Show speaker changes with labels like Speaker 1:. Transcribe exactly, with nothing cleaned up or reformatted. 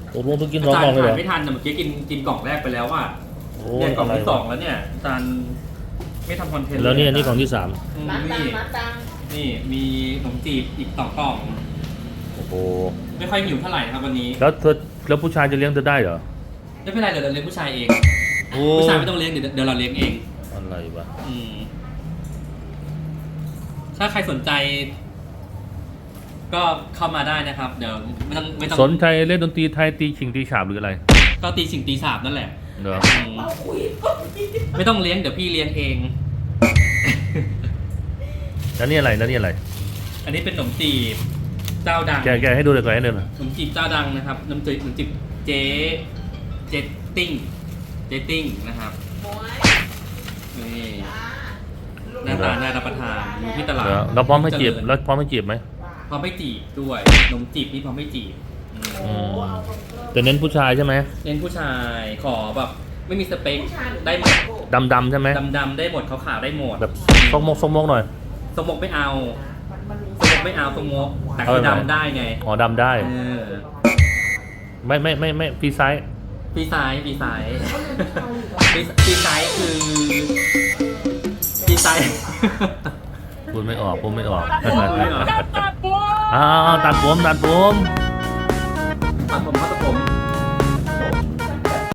Speaker 1: ตกลงต้องกินสองกล่องเลยเหรอ
Speaker 2: ไม่ทันแต่เมื่อกี้กินกินกล่องแรกไปแล้วอ่ะ
Speaker 1: โอ้
Speaker 2: เนี่ยกล่อง
Speaker 1: อะไร
Speaker 2: ที่สองแล้วเนี่ยอาจารย์ไม่ทำคอนเทนต์
Speaker 1: แล้วนี่อันนี้กล่องที่สาม
Speaker 2: อืม
Speaker 3: มัดตัง
Speaker 2: นี่
Speaker 3: มัดตัง
Speaker 2: นี่มีขนมจีบอีกสองกล่อง
Speaker 1: โอ้โห
Speaker 2: ไม่ค่อยหิวเท่าไหร่นะครับวันนี้
Speaker 1: แล้วเธอแล้วผู้ชายจะเลี้ยงเธอได้เหรอ
Speaker 2: ไม่เป็นไรเดี๋ยวเราเลี้ยงผู้ชายเอง
Speaker 1: โอ้
Speaker 2: ผู้ชายไม่ต้องเลี้ยงเดี๋ยวเดี๋ยวเราเลี้ยงเอง
Speaker 1: อะไรวะ
Speaker 2: อืมถ้าใครสนใจ ก็เข้ามาได้นะครับ เดี๋ยวไม่ต้องไม่ต้อง
Speaker 1: สนใจเล่นดนตรีไทยตีชิงตีฉาบหรืออะไร
Speaker 2: ก็ตีสิ่งตีสาบนั่นแหละ
Speaker 1: เหรอ
Speaker 2: อืม
Speaker 3: เอาคุย
Speaker 2: ไม่ต้องเลี้ยงเดี๋ยวพี่เลี้ยงเอง
Speaker 1: แล้วนี่อะไรแล้วนี่อะไร
Speaker 2: อันนี้เป็นขนมจีบเจ้าดัง
Speaker 1: แกแกให้ดูเลยก่อนให้ดูหน่อย
Speaker 2: ขนมจีบเจ้าดังนะครับขนมจีบขนมจีบเจ๊เจติ้งเจติ้งนะครับ
Speaker 3: หมวย
Speaker 2: นี่
Speaker 3: จ้า
Speaker 2: หน้าตาน่ารับประทานอยู่ที่ตลาด
Speaker 1: เหรอเราพร้อมให้จีบ
Speaker 2: เจริญ
Speaker 1: แล้วพร้อมให้จีบไหม
Speaker 2: พร้อมไม่จีบด้วยขนมจีบนี่พร้อมไม่จีบอืม
Speaker 3: โอ้เอาคนเพิ่ม
Speaker 1: แต่เน้นผู้ชายใช่ไหม
Speaker 2: เน้นผู้ชายขอแบบไม่มีสเปค
Speaker 3: ผู้ชายหรือ
Speaker 2: ได้หมด
Speaker 1: ดำดำๆใช่ไหม
Speaker 2: ดำดำๆได้หมดขาวขาวๆได้หมด
Speaker 1: แบบซกมกซกมกหน่อย
Speaker 2: สมกไม่เอา
Speaker 3: มันมันมี
Speaker 2: สมกไม่เอาสมกแต่
Speaker 1: เอา
Speaker 2: คือ
Speaker 1: แบบไหน
Speaker 2: ดำได้ไง
Speaker 1: อ๋อดำได้
Speaker 2: เออ
Speaker 1: ไม่ไม่ไม่ไม่ฟรีไซส์
Speaker 2: ปีซ้ายปีซ้ายปีปีซ้ายคือปีซ้าย
Speaker 1: พูดไม่ออกพูดไม่ออก
Speaker 2: พูดไม่ออก
Speaker 1: อ้าวตัดผมตัดผม
Speaker 2: ตัดผมเขา